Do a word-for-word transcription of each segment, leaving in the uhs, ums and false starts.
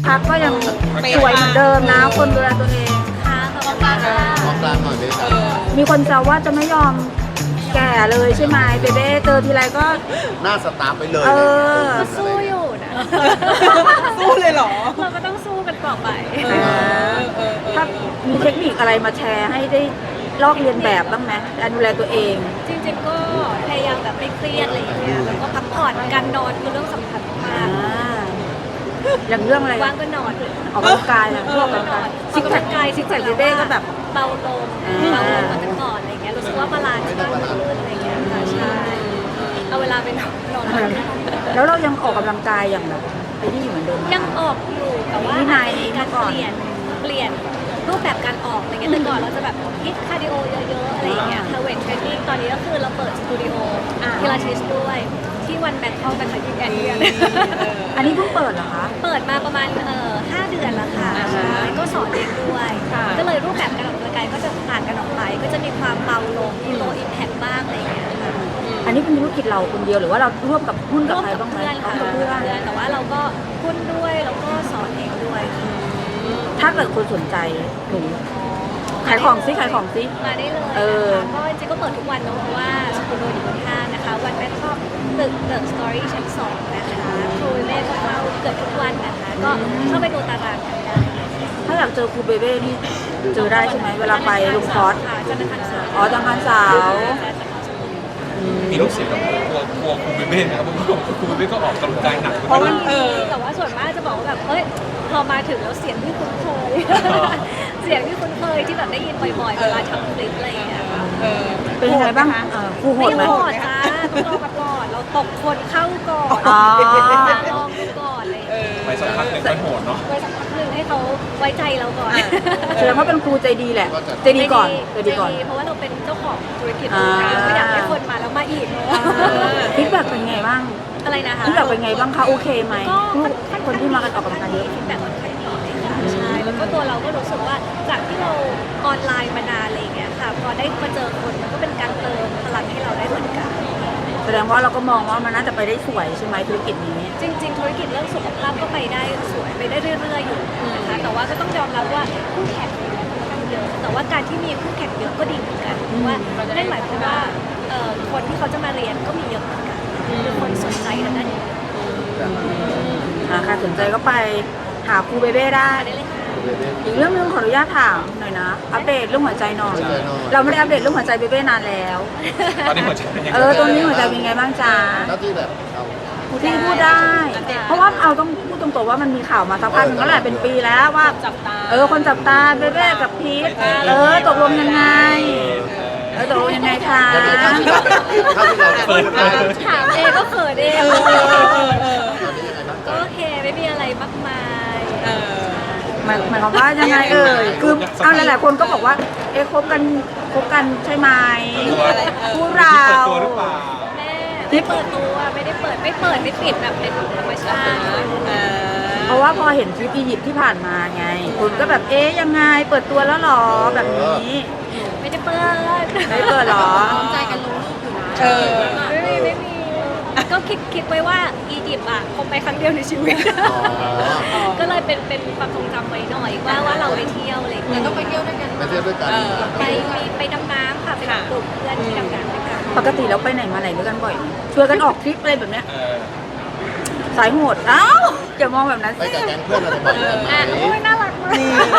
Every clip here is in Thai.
พักก็ยังสวยเหมือนเดิมนะคนดูแลตัวเองค่ะขอบคุณค่ะมองกลางหน่อยเบสมีคนแซวว่าจะไม่ยอมแก่เลยใช่ไหมเบเบ้เจอทีไรก็หน้าสตาร์ฟไปเลยเออก็สู้อยู่นะสู้เลยเหรอเราก็ต้องสู้กันต่อไปเออเออถ้ามีเทคนิคอะไรมาแชร์ให้ได้ลอกเรียนแบบบ้างไหมการดูแลตัวเองจริงๆก็พยายามแบบไม่เครียดอะไรอย่างเงี้ยแล้วก็พักผ่อนการนอนคือเรื่องสำคัญมาอ่าก อย่างเรื่องอะไรว่างก็นอนออกกำลังกายนะพวกออกกำลังกายอซิอกกกำแพลัคงกายซิกแพคเบเบ้ก็แบบเบาลงอ่าเบาลงกว่าแต่ก่อนอะไรเงี้ยรู้สึกว่าบาลานซ์มากขึ้นอะไรเงี้ยค่ะใช่เอาเวลาไปนอนนอนแล้วเรายังออกกำลังกายอย่างแบบไอ้นี่อยู่เหมือนเดิมไหมยังออกอยู่แต่ว่าวินัยมีการเปลี่ยนเปลี่ยนรูปแบบการออกอะไรเงี้ยแต่ก่อนเราจะแบบฮิตคาร์ดิโอเยอะๆอะไรอย่างเงี้ยค่ะเวทเทรนนิ่งตอนนี้ก็คือเราเปิดสตูดิโอพิลาทิสด้วยที่วันแบงคอกนะคะที่แอนเดียนอันนี้เพิ่งเปิดเหรอคะเปิดมาประมาณเอ่อห้าเดือนแล้วค่ะใช่ก็สอนเองด้วย ก็เลยรูปแบบการออกกำลังกายก็จะต่างกันออกไป ก็จะมีความเบาลงมีโลอิมแพคบ้างอะไรอย่างเงี้ยค่ะอันนี้เป็นธุรกิจเราคนเดียวหรือว่าเราร่วมกับหุ้นกับร่วมใครกับบ้างไหมเพื่อนค่ะกับเพื่เพื่อนอนแต่ว่าเราก็หุ้นด้วยแล้วก็สอนเองด้วยค่ะถ้าเกิดคนสนใจหนูขายของซิขายของซิมาได้เลยเออนะคะก็จริงๆก็เปิดทุกวันเนอะเพราะว่าสตูดิโออยู่บนห้างนะคะ วันแบงคอกตึกเดอะสตอรี่ชั้นสองนะคะครูเล่ก็เข้าเกือบทุกวันนะคะ ก็เข้าไปดูตารางกันได้ถ้าอยากเจอครูเบเบ้นี่เจอได้ใช่ไหมเวลาไปลงคอร์สค่ะจันทร์อังคารเสาร์อ๋อจังหวัดสาวมีลูกศิษย์กับกลัวกลัวครูเบเบ้นะครับเพราะว่าครูเบเบ้ก็ออกกำลังกายหนักเพราะมันเออแต่ว่าส่วนมากจะบอกว่าแบบเอ้ยพอมาถึงแล้วเสียงที่คุ้นเคย เสียงที่คุ้นเคยที่แบบได้ยินบ่อยๆเวลาทำคลิปอะไรอย่างเงี้ยค่ะเออเป็นยังไงบ้างเออครูโหไม่ดไหมโหดจ้าต้องรอมาก่อนเราตกคนเข้าก่อนอ๋อมาลองดูก่อนอะไรอย่างเลยไปสักพักหนึ่งมันโหดเนาะไว้สักพักหนึ่งให้เขาไว้ใจเราก่อนแสดงว่าเป็นครูใจดีแหละใจดีก่อนใจดีก่อนเพราะว่าเราเป็นเจ้าของธุรกิจอ่าไม่อยากให้คนมาแล้วมาอีกฟีดแบ็กเป็นไงบ้างอะไรนะคะฟีดแบ็กเป็นไงบ้างคะโอเคไหมก็คนที่มากันออกกำลังกายเยอะฟีดแบ็กค่อนข้างดีเลยค่ะใช่แล้วก็ตัวเราก็รู้สึกว่าจากที่เราออนไลน์มานานอะไรอย่างเงี้ยค่ะพอได้มาเจอคนมันก็เป็นการเติมพลังให้เราได้เหมือนกันแสดงว่าเราก็มองว่ามันน่าจะไปได้สวยใช่ไหมธุรกิจนี้จริง ๆ ธุรกิจเรื่องสุขภาพก็ไปได้สวยไปได้เรื่อยๆอยู่นะคะแต่ว่าก็ต้องยอมรับว่าคู่แข่งเนี่ยค่อนข้างเยอะแต่ว่าการที่มีคู่แข่งเยอะก็ดีเหมือนกันเพราะว่านั่นหมายความว่าเอ่อคนที่เขาจะมาเรียนก็มีเยอะเหมือนกันคือคนสนใจทางด้านนี้อ่าใครสนใจก็ไปหาครูเบเบ้ได้ได้เลยค่ะอีกเรื่องนึงขออนุญาตถามหน่อยนะ อัปเดตเรื่องหัวใจหน่อย เราไม่ได้อัปเดตเรื่องหัวใจเบเบ้นานแล้วตอนนี้หัวใจเป็นยังไงเออตรงนี้หัวใจเป็นไงบ้างจ๊ะหน้าที่แบบเราที่พูดได้ เพราะว่าเอาต้องพูดตรงๆว่ามันมีข่าวมาสักพักหนึงแล้วแหละเป็นปีแล้วว่าจับตาเออคนจับตาเบเบ้กับพีทเออตกลงยังไง เออตกลงยังไงคะจะมีท่าที่เราท่าที่เราจะพูดได้ถามเองก็เขินเองเออเออเออเออตอนนี้ยังไงบ้างก็จ๊ะโอเคไม่มีอะไรมากมายเออหมายหมายความว่ายังไงเอ่ยคือเอาหลายๆคนก็บอกว่าเอ๊ะคบกันคบกันใช่ไหมคู่เราเปิดตัวหรือเปล่าแม่ไม่เปิดตัวไม่ได้เปิดไม่เปิดไม่ปิดแบบเป็นธรรมชาติเพราะว่าพอเห็นทริปอียิปต์ที่ผ่านมาไงคุณก็แบบเอ๊ยยังไงเปิดตัวแล้วหรอแบบนี้ไม่ได้เปิดไม่เปิดหรอใจกันลงรูปอยู่นะเออไม่มีไม่มีก็คิดคิดไว้ว่าอียิปต์อ่ะคงไปครั้งเดียวในชีวิตอ๋อก็เลยเป็นเป็นความทรงจำไว้หน่อยว่าว่าเราไปเที่ยวอะไรอย่างเงี้ยต้องไปเที่ยวด้วยกันไปเที่ยวด้วยกันเออไปมีไปดำน้ำค่ะไปกับกลุ่มเพื่อนที่ดำน้ำด้วยกันปกติแล้วไปไหนมาไหนด้วยกันบ่อยไหมชวนกันออกทริปอะไรแบบเนี้ยเออสายโหดเอ้าอย่ามองแบบนั้นไปสิกับแก๊งเพื่อนอะไรบ่อยไหมอ่ะโอ้ยน่ารักมาก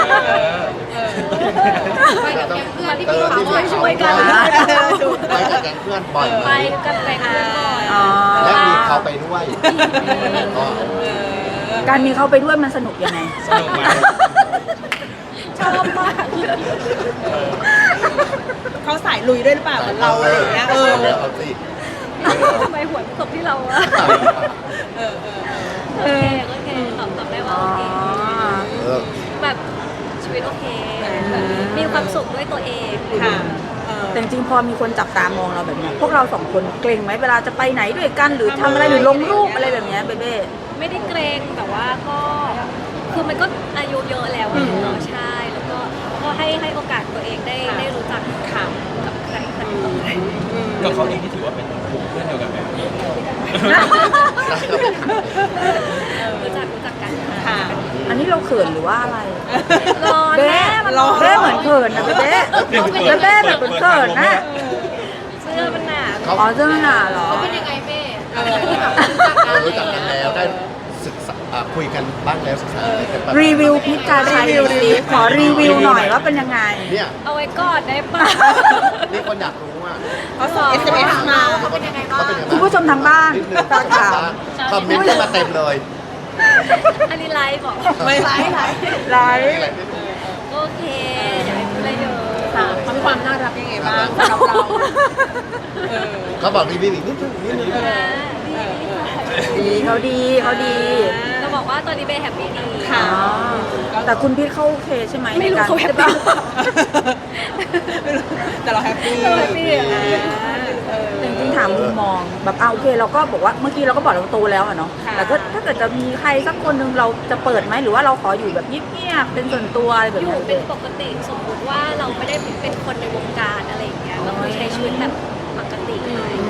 ไปกับแก๊งเพื่อนที่ช่วยช่วยกันไปกับแก๊งเพื่อนบ่อยไหมไปกันไปกันบ่อยอ๋อและมีเขาไปด้วยก็การมีเขาไปด้วยมันสนุกยังไงสนุกไหมชอบมากเขาสายลุยด้วยหรือเปล่าเหมือนเราอะไรอย่างเงี้ยเออเอาสิทำไมหัวตกที่เราอะเออเออโอเคโอเคตอบตอบได้ว่าอ๋อโอเคเออแบบชีวิตโอเคแบบมีความสุขด้วยตัวเองค่ะเออแต่จริงๆพอมีคนจับตามองเราแบบเนี้ยพวกเราสองคนเกรงไหมเวลาจะไปไหนด้วยกันหรือทำอะไรหรือลงรูปอะไรแบบเนี้ยเบเบ้ไม่ได้เกรงแต่ว่าก็คือมันก็อายุเยอะแล้วอะเนาะใช่แล้วก็ก็ให้ให้โอกาสตัวเองได้ได้รู้จักข่าวกับใครใครกับเขาเองที่ถือว่าเป็นกลุ่มเพื่อนเดียวกันไหมรู้จักรู้จักกันค่ะอันนี้เราเขินหรือว่าอะไรร้อนเบ้แม่มันร้ร้ออน นเบ้เหมือนเขินนะเบ้เบ้แบบเหมือนเขินนะเสื้อมันหนาเขาอ๋อเจ้าหน้าเหรอเป็นยังไงแม่เออเออรู้จักกันแล้วได้ศึกษาอ่าคุยกันบ้างแล้วศึกษาอะไรกันบ้างรีวิวพิจารณาสิขอรีวิวหน่อยว่าเป็นยังไงเนี่ยเอาไว้ก่อนได้ป่ะนี่คนอยากรู้ว่าเขาส่ง เอส เอ็ม เอส มาเขาเป็นยังไงบ้างคุณผู้ชมทางบ้านนิดนึงฝากถามคอมเมนต์เข้ามาเต็มเลยอันนี้ไลฟ์บอกไม่ไลฟ์ไลฟ์โอเคอย่าไปพูดอะไรเยอะค่ะเขามีความน่ารักยังไงบ้างสำหรับเราเออเขาบอกรีวิวอีกนิดนึงนิดนึงนะดีดีเขาดีเขาดีจะบอกว่าตอนนี้เบย์แฮปปี้ดีค่ะอ๋อแต่คุณพีทเขาโอเคใช่ไหมไม่รู้ในกเขาแฮปปี้ไม่รู้แต่เราแฮปปี้เราแฮปปี้อะเออจริงๆถามมุมมองแบบอ่าโอเคเราก็บอกว่าเมื่อกี้เราก็บอกเราโตแล้วอะเนาะค่ะแต่ก็ถ้าเกิดจะมีใครสักคนหนึ่งเราจะเปิดไหมหรือว่าเราขออยู่แบบเงียบๆเป็นส่วนตัวอะไรแบบอยู่นี้เป็นปกติสมมติว่าเราไม่ได้เป็นคนในวงการอะไรอย่างเงี้ยก็คือใช้ชีวิตแบบปกติ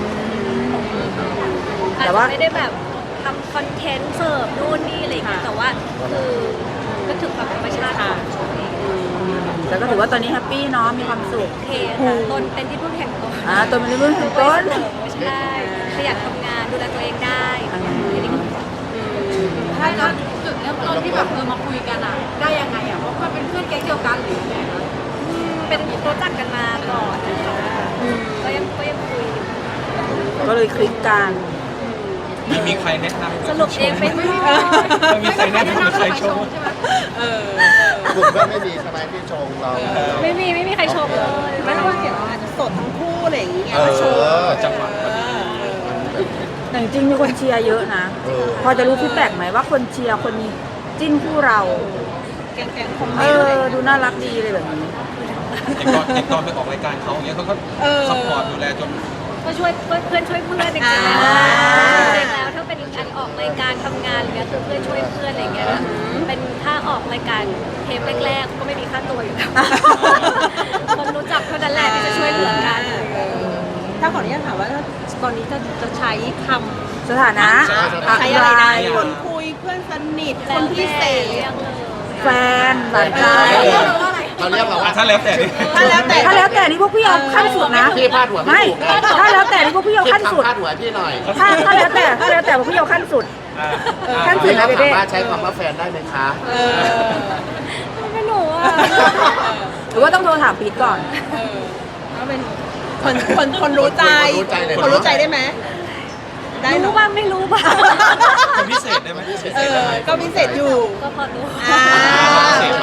อาจจะไม่ได้แบบทำคอนเทนต์เสิร์ฟนู่นนี่อะไรอย่างเงี้ยแต่ว่าคือก็ถึงความธรรมชาติของตัวเองแต่ก็ถือว่าตอนนี้แฮปปี้เนาะมีความสุขโอเคค่ะตนเป็นที่พึ่งแห่งตนอ่าตัวมันเรื่องของต้นใช่ขยันทำงานดูแลตัวเองได้ทีนี้ก็ใช่แล้วจุดเริ่มต้นที่แบบเออมาคุยกันอ่ะ ได้ยังไงอ่ะเพราะมันเป็นเพื่อนแก๊งเดียวกันหรือยังไงคะเป็นรู้จักกันมาก่อนนะคะก็ยังก็ยังคุยอยู่ก็เลยคลิกกันมีมีใครแนะนำสรุปเองไม่ไม่มีใครแนะนำหรือใครชมใช่ไหมเออกลุ่มเพื่อนไม่มีใช่ไหมที่ชงเราไม่มีไม่มีใครชมเลยไม่รู้ว่าเห็นว่าอาจจะโสดทั้งคู่อะไรอย่างเงี้ยเอมาโชว์อจังหวะเออแต่จริงๆมีคนเชียร์เยอะนะเออพอจะรู้ฟีดแบ็กไหมว่าคนเชียร์คนจิ้นคู่เราแกงๆคอมเมเอนต์อะไรอ ดูน่ารักดีเลยแบบนี้อย่างตอนอย่างตอนไปออกรายการเขาอย่างเงี้ยเขาก็เออซัพพอร์ตดูแลจนก็ช่วยเพื่อนช่วยเพื่อนจริงๆแล้วอ่าจริงๆแล้วถ้าเป็นการออกรายการทำงานอะไรเงี้ยคือเพื่อนช่วยเพื่อนอะไรเงี้ยเป็นถ้าออกรายการเทปแรกๆก็ไม่มีค่าตัวอยู่แล้วคนรู้จักเท่านั้นแหละที่จะช่วยเหลือกันถ้าขออนุญาตถามว่าตอนนี้จะจะใช้คำสถานะใช้อะไรนะคคนคุยเพื่อนสนิทคแล้วนพิเศษแต่เรียกเลยแฟนหลานใจเราเรียกเราว่าถ้าแล้วแต่ดิถ้าแล้วแต่ถ้าแล้วแต่นี่พวกพี่เอาขั้นสุดนะพี่พาดหัวไม่ไม่ถูกถ้าแล้วแต่นี่พวกพี่เอาคิดขั้นสุดคำพาดหัวพี่หน่อยถ้าถ้าแล้วแต่ถ้าแล้วแต่พวกพี่เอาขั้นสุด ขั้นสุดพี่นะเขาเบถามเบ้ว่าใช้คำว่าแฟนได้ไหมคะเออไม่รู้อ่ะหรือว่าต้องโทรถามพีทก่อนเออก็เป็นคนคนคนรู้ใจคนรู้ใจเลยคนรู้ใจได้ไหมได้รู้เนาะบ้างไม่รู้บ้างคนพิเศษได้ไหมเออก็พิเศษอยู่ก็พอรู้อ่าพิเศษ